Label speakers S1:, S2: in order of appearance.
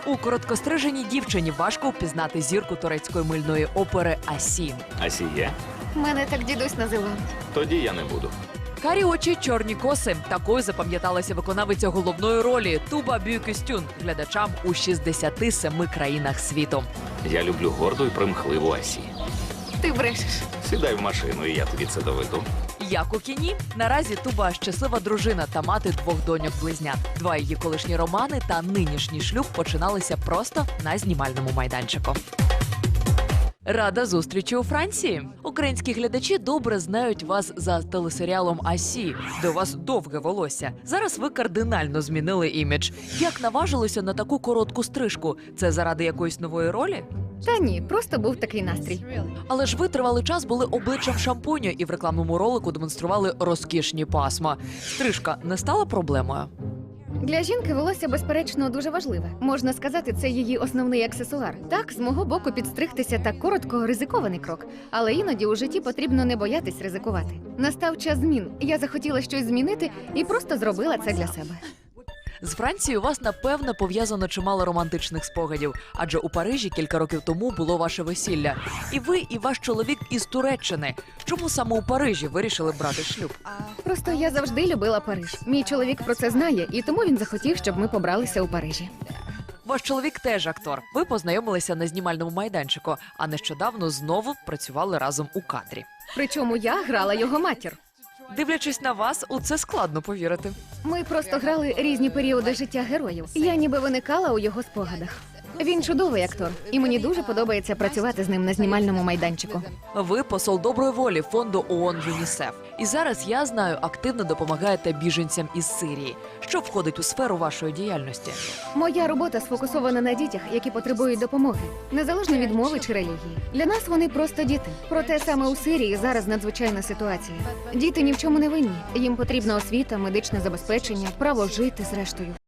S1: У короткостриженій дівчині важко впізнати зірку турецької мильної опери Асі.
S2: Асі є?
S3: Мене так дідусь називав.
S2: Тоді я не буду.
S1: Карі очі, чорні коси. Такою запам'яталася виконавиця головної ролі Туба Бюкюстюн глядачам у 67 країнах світу.
S2: Я люблю горду і примхливу Асі.
S3: Ти брешеш.
S2: Сідай в машину, і я тобі це доведу.
S1: Як у кіні, наразі Туба щаслива дружина та мати двох доньок-близнят. Два її колишні романи та нинішній шлюб починалися просто на знімальному майданчику. Рада зустрічі у Франції. Українські глядачі добре знають вас за телесеріалом «Асі», де у вас довге волосся. Зараз ви кардинально змінили імідж. Як наважилися на таку коротку стрижку? Це заради якоїсь нової ролі?
S3: Та ні, просто був такий настрій.
S1: Але ж ви тривалий час були обличчям шампуню і в рекламному ролику демонстрували розкішні пасма. Стрижка не стала проблемою?
S3: Для жінки волосся, безперечно, дуже важливе. Можна сказати, це її основний аксесуар. Так, з мого боку, підстригтися так коротко – ризикований крок. Але іноді у житті потрібно не боятись ризикувати. Настав час змін. Я захотіла щось змінити і просто зробила це для себе.
S1: З Францією у вас, напевно, пов'язано чимало романтичних спогадів, адже у Парижі кілька років тому було ваше весілля. І ви, і ваш чоловік із Туреччини. Чому саме у Парижі вирішили брати шлюб?
S3: Просто я завжди любила Париж. Мій чоловік про це знає, і тому він захотів, щоб ми побралися у Парижі.
S1: Ваш чоловік теж актор. Ви познайомилися на знімальному майданчику, а нещодавно знову працювали разом у кадрі.
S3: Причому я грала його матір.
S1: Дивлячись на вас, у це складно повірити.
S3: Ми просто грали різні періоди життя героїв. Я ніби виникала у його спогадах. Він чудовий актор, і мені дуже подобається працювати з ним на знімальному майданчику.
S1: Ви посол доброї волі фонду ООН ЮНІСЕФ. І зараз, я знаю, активно допомагаєте біженцям із Сирії. Що входить у сферу вашої діяльності?
S3: Моя робота сфокусована на дітях, які потребують допомоги, незалежно від мови чи релігії. Для нас вони просто діти. Проте саме у Сирії зараз надзвичайна ситуація. Діти ні в чому не винні. Їм потрібна освіта, медичне забезпечення, право жити зрештою.